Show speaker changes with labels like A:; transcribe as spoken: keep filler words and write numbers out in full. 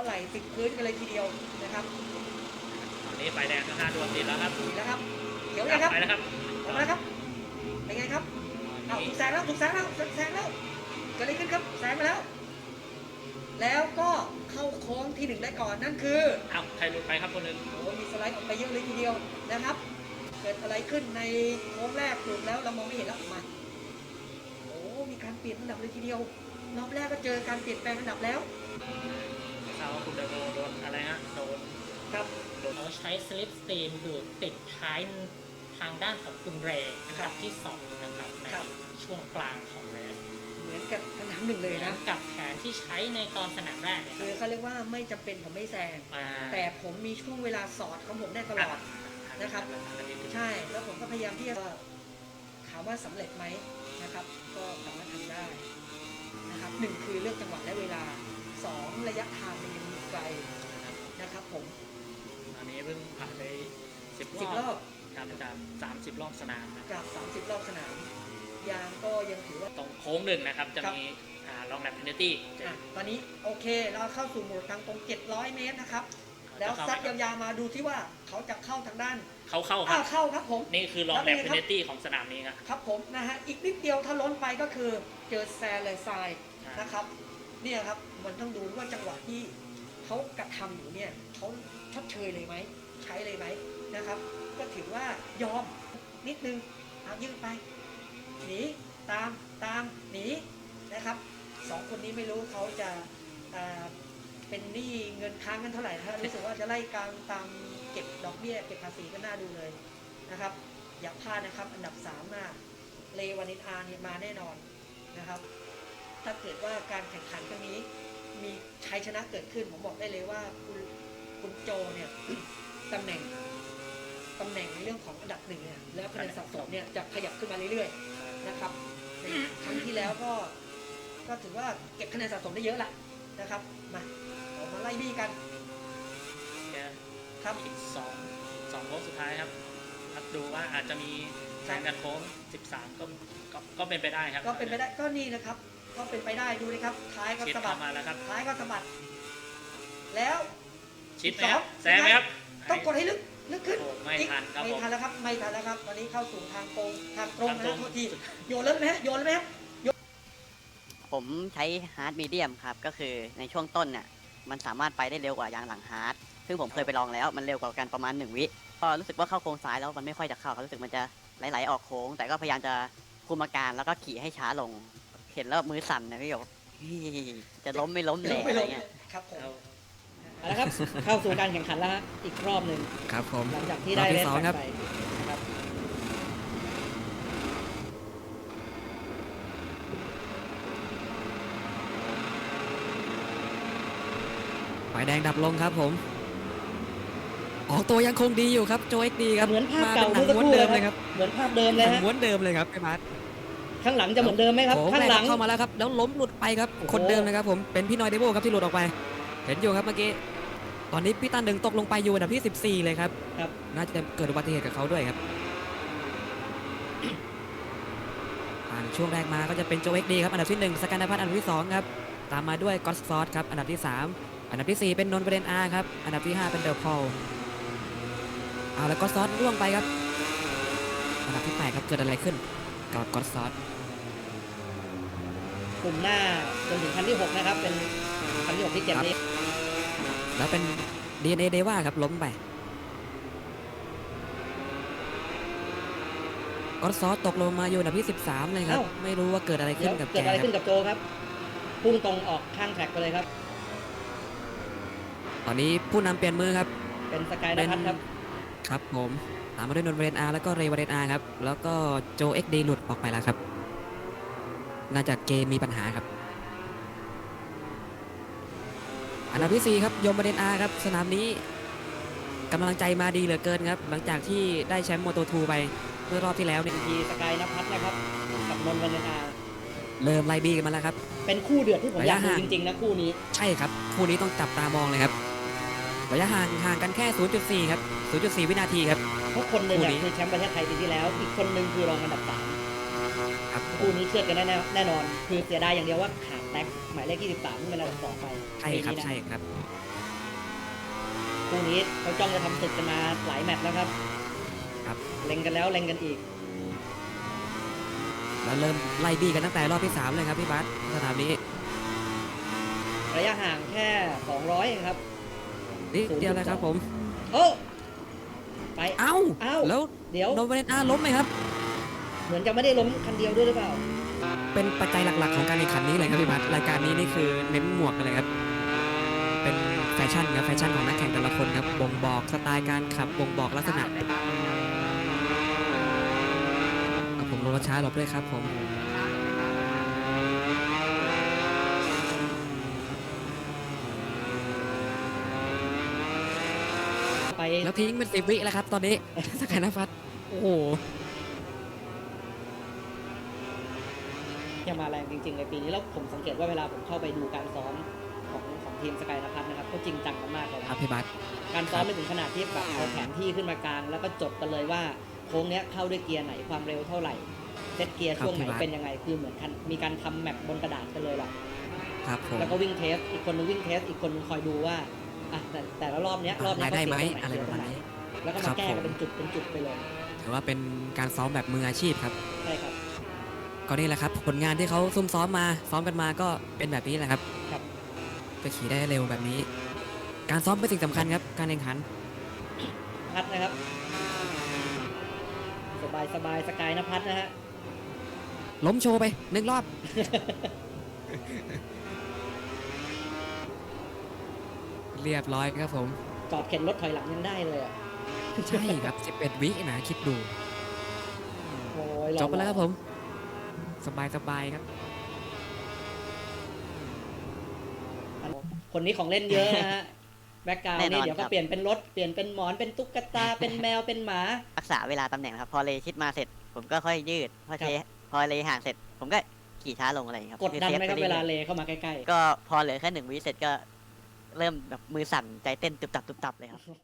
A: ไหล่ติดพื้นกันเลยทีเดียวนะครับ
B: ตอนนี้ไฟแดงก็ห้าดวงติดแล้วครับ
A: ดีแล้วครับเขียวยังครับ
B: ไปแล้วครับ
A: ออกมาแล้วครับเป็นไงครับเอาถูกแซงแล้วถูกแซงแล้วแซงแล้วเกิดอะไรขึ้นครับแซงไปแล้ว แล้วก็เข้าโค้งที่หนึ่งได้ก่อนนั่นคือ
B: เอาใครหลุดไปครับคนหนึ่ง
A: โอ้มีสไลด์ออกไปเยอะเลยทีเดียวนะครับเกิดอะไรขึ้นในโค้งแรกหลุดแล้วเรามองไม่เห็นแล้วมาโอ้มีการเปลี่ยนอันดับเลยทีเดียวรอบแรกก็เจอการเปลี่ยนแปลงอันดับแล้ว
B: ทราบว่าคุณเดโดโดนอะไรฮะโดน
A: ครับ
C: เขาใช้สลิปสตรีมดูดติดท้ายทางด้านของคุณเรย์นะครับที่สองนะครับในช่วงกลางของเรส
A: เหมือนกับสนามหนึ่งเลยนะ
C: กับแผนที่ใช้ในตอนสนามแรก
A: คือเขาเรียกว่าไม่จำเป็นผมไม่แซงแต่ผมมีช่วงเวลาสอดของผมได้ตลอดนะครับใช่แล้วผมก็พยายามที่จะถามว่าสำเร็จไหมนะครับก็สามารถทำได้นะครับหนึ่งคือเลือกจังหวะและเวลาสองระยะทางมันยังมีไกลนะครับผม
B: อันนี้เพิ่งผ่านไปสิบ
A: รอบ
B: ครับจากสามสิบรอบสนาม
A: จากสามสิบรอบสนามยางก็ยังถือว่า
B: ตรงโค้งหนึ่งนะครับจะมีลองแลปเพนเนตี้
A: ตอนนี้โอเคเราเข้าสู่โหมดทางตรงเจ็ดร้อยเมตรนะครับแล้วซัดยาวๆมาดูที่ว่าเขาจะเข้าทางด้าน
B: เขาเข้าครับ
A: เข้าครับผม
B: นี่คือลองแลปเพนเนตี้ของสนามนี้ครับ
A: ครับผมนะฮะอีกนิดเดียวถ้าล้นไปก็คือเจอแซนเลยทรายนะครับเนี่ยครับมันต้องดูว่าจังหวะที่เขากระทำอยู่เนี่ยเขาชดเชยเลยไหมใช้เลยไหมนะครับก็ถือว่ายอมนิดนึงเอายืดไปหนีตามตามหนีนะครับสองคนนี้ไม่รู้เขาจะเป็นหนี้เงินค้างกันเท่าไหร่นะรู้สึกว่าจะไล่การตามเก็บดอกเบี้ยเก็บภาษีก็น่าดูเลยนะครับอย่าพลาดนะครับอันดับสามน่ะเลวานินอาร์เนี่ยมาแน่นอนนะครับถ้าเกิดว่าการแข่งขันครั้งนี้มีชัยชนะเกิดขึ้นผมบอกได้เลยว่าคุณคุณโจเนี่ยตำแหน่งตำแหน่งในเรื่องของอันดับหนึ่งเนี่ยแล้วคะแนนสะสมเนี่ยจะขยับขึ้นมาเรื่อยๆนะครับในครั้งที่แล้วก็ก็ถือว่าเก็บคะแนนสะสมได้เยอะละนะครับมาออกมาไล่บี้กัน
B: ครับอีกสองสองโค้งสุดท้ายครับครับดูว่าอาจจะมีแข่งกันโค้งสิบสามก็ก็เป็นไปได้ครับ
A: ก็เป็นไปได้ก็นี่นะครับก็เป็นไปได้ดูเลยครับท้ายก็สะบัด
B: มาแล้วครับ
A: ท้ายก็สะบัดแล้ว
B: ชิดไหมครับแซงไหมครับ
A: ต้องกดให้ลึกลึกขึ้น
B: ไม่ทันครับ
A: ไม่ทันแล้วครับไม่ทันแล้วครับตอนนี้เข้าสู่ทางตรงทางตรงนะทุกทีโยนเลยไหมโยนเลยไหม
D: ผมใช้ฮาร์ดมีเดียมครับก็คือในช่วงต้นเนี่ยมันสามารถไปได้เร็วกว่ายางหลังฮาร์ดซึ่งผมเคยไปลองแล้วมันเร็วกว่ากันประมาณหนึ่งวิก็รู้สึกว่าเข้าโค้งซ้ายแล้วมันไม่ค่อยจะเข้าเขารู้สึกมันจะไหลๆออกโค้งแต่ก็พยายามจะคุมอาการแล้วก็ขี่ให้ช้าลงเห็นแล้วมือสั่นนะพี่หยกจะล้มไม่ล้มแหล่อะไรเงี้ย
A: ครับผม
C: เอาละครับเข้าสู่การแข่งขันแล้วฮะอีกรอบหนึ่ง
E: ครับผม
C: หลังจากที่ได้เล่นไปนะครับ
E: ไฟแดงดับลงครับผมออกตัวยังคงดีอยู่ครับโจเอ็กดีครับ
C: เหมือนภาพเก่าเมื่อสักครู่เลยครับเหมือนภาพเดิมเลยฮะ
E: ม้วนเดิมเลยครับไอ้บาส
C: ข้างหลังจะเหมือนเดิมไหมครับข้างหลัง
E: เข้ามาแล้วครับแล้วล้มหลุดไปครับคนเดิมนะครับผมเป็นพี่นอยเดโบครับที่หลุดออกไปเห็นอยู่ครับเมื่อกี้ตอนนี้พี่ตันหนึ่งตกลงไปอยู่อันดับที่สิบสี่เลยครับ
C: ครับ
E: น่าจะเกิดอุบัติเหตุกับเขาด้วยครับผ่านช่วงแรกมาก็จะเป็นโจเอ็กดีครับอันดับที่หนึ่งสกันนภัทรอันดับที่สองครับตามมาด้วยก็อตซอสครับอันดับที่สามอันดับที่สี่เป็นนนท์ประเด็นอาร์ครับอันดับที่ห้าเป็นเดลพอลเอาแล้วก็ซอสร่วงไปครับอันดับที่แปดครับเกิดอะไรขึ้นกับก็อตซอส
C: กลุ่มหน้าจนถึงคันที่หกนะครับเป็นคันที่หกที่เจ็ดนี้
E: แล้วเป็น ดี เอ็น เอ เดว่าครับล้มไปก็อตซอสตกลงมาอยู่อันดับที่สิบสามเลยครับไม่รู้ว่าเกิดอะไรขึ้นกับแก
C: เกิดอะไรขึ้นกับโจครับพุ่งตรงออกข้างแทร็กไปเลยครับ
E: ตอนนี้ผู้นำเปลี่ยนมือครับ
C: เป็นสกายนภัทรครับ
E: ครับผมตามมาด้วยนนท์เวเรนอาร์แล้วก็เรย์วาเรนอาร์ครับแล้วก็โจเอ็กดีหลุดออกไปแล้วครับน่าจะเกมมีปัญหาครับอันดับที่สี่ครับยมวาเรนอาร์ครับสนามนี้กำลังใจมาดีเหลือเกินครับหลังจากที่ได้แชมป์โมโตทูไปเมื่อรอบที่แล้วเนี่ย
C: ทีสกายนภัทรนะครับกับนนท์วาเรนอาร์
E: เริ่มไล่บี้กันมาแล้วครับ
C: เป็นคู่เดือดที่ผมอยากดูจริงๆนะคู่นี้
E: ใช่ครับคู่นี้ต้องจับตามองเลยครับระยะห่างห่างกันแค่ ศูนย์จุดสี่ ครับ ศูนย์จุดสี่ วินาทีครับ
C: เพราะคนหนึ่งคือแชมป์ประเทศไทยปีที่แล้วอีกคนหนึ่งคือรองอันดับสาม
E: ครับ
C: คู่นี้เชื่อกันแน่แน่นอนคือเสียดายอย่างเดียวว่าขาดแท็กหมายเลขที่สิบสามที่เป็นอันดับสองไป
E: ใช่ครับใช่ครับ
F: คู่นี้เขาจ้องจะทำศึกกันมาหลายแมตช์แล้วครับ
E: ครับ
F: เล็งกันแล้วเล็งกันอีก
E: แล้วเริ่มไล่บี้กันตั้งแต่รอบที่สามเลยครับพี่บัสสนามนี้
F: ระยะห่างแค่สองร้อยเองครับ
E: นิดเดียวเลยครับผม
F: โอ้ไป
E: เอ้า
F: เอ้า
E: แล้ว
F: เดี๋ยว
E: โนเวเรนอาล้มไหมครับ
F: เหมือนจะไม่ได้ล้มคันเดียวด้วยหรือเปล่า
E: เป็นปัจจัยหลักๆของการแข่งขันนี้เลยครับพี่บัสรายการนี้นี่คือเน้นหมวกกันเลยครับ เป็นแฟชั่นครับแฟชั่นของนักแข่งแต่ละคนครับบ่งบอกสไตล์การขับบ่งบอกลักษณะเอาผมลงรถช้าหลบด้วยครับผม
F: ไป
E: แล้วทิ้งเป็นสิบวิแล้วครับตอนนี้ สกายนภัสโอ้โห
F: ยังมาแรงจริงๆในปีนี้แล้วผมสังเกตว่าเวลาผมเข้าไปดูการซ้อมของของทีมสกายนภัสนะครับเขาจริงจังกันมากเลย
E: ค
F: นะ
E: รับพี่บัส
F: การซ้อมไปถึงขนาดที่แบบเอาแผนที่ขึ้นมากลาง แล้วก็จดกันเลยว่าโค้งเนี้ยเข้าด้วยเกียร์ไหนความเร็วเท่าไหร่เซตเกียร์ช่วงไหนเป็นยังไงคือเหมือนกันมีการทำแมปบนกระดาษกันเลยล่ะ
E: ครับผม
F: แล้วก็วิ่งเทสอีกคนนึงวิ่งเทสอีกคนนึงคอยดูว่าอ่ะแต่แต่ละรอบเนี้ยรอบเนี้ย
E: ได้
F: เขา
E: ไหม
F: เสียตรงไหน
E: อะไร
F: เสีย
E: ป
F: ต
E: ระ
F: รง
E: มาณ
F: ไหน
E: นี้
F: แล้วก็
E: ครั
F: มา
E: บ
F: แก้
E: ผม
F: กันเป็นจุดเป็นจุดไปเลย
E: ถือว่าเป็นการซ้อมแบบมืออาชีพครับ
F: ใช่ครับ
E: ก็นี่แหละครับผลงานที่เขาซุ่มซ้อมมาซ้อมกันมาก็เป็นแบบนี้แหละครับ
F: ครับ
E: จะขี่ได้เร็วแบบนี้ การซ้อมเป็นสิ่งสำคัญครับการแข่งขัน
F: พัดนะครับ สบายสบายสกายนภัสนะฮะ
E: ล้มโชว์ไปหนึ่งรอบ เรียบร้อยครับผม
F: จอดเข็นรถถอยหลังยังได้เลยอ่ะ
E: ใช่ครับสิบเอ็ดวินะคิดดู
F: โอ้ยหล่อ
E: จบไปแล้วครับผม สบายสบายครับ
F: คนนี้ของเล่นเยอะนะฮะ แบ็กกราวด์
D: แน่น
F: นี่
D: อน
F: เดี๋ยวก็
D: ครับ
F: เปลี่ยนเป็นรถ เปลี่ยนเป็นหมอน เป็นตุ๊กตา เป็นแมว เป็นหมา
D: รักษาเวลาตำแหน่งครับ พอเลยชิดมาเสร็จ ผมก็ค่อยยืด พอเทพอเลยห่างเสร็จ ผมก็ขี่ช้าลงอะไรอย่างเงี้ยครับ
F: กดดันไหมครับ
D: อ
F: เว
D: ซฟ
F: ลา
D: ป
F: เล
D: รื่อย
F: เข้ามาใกล้
D: ๆก็พอเหลือแค่หนึ่งวิเสร็จก็เริ่มแบบมือสั่นใจเต้นตุบตับตุบตับเลยครับ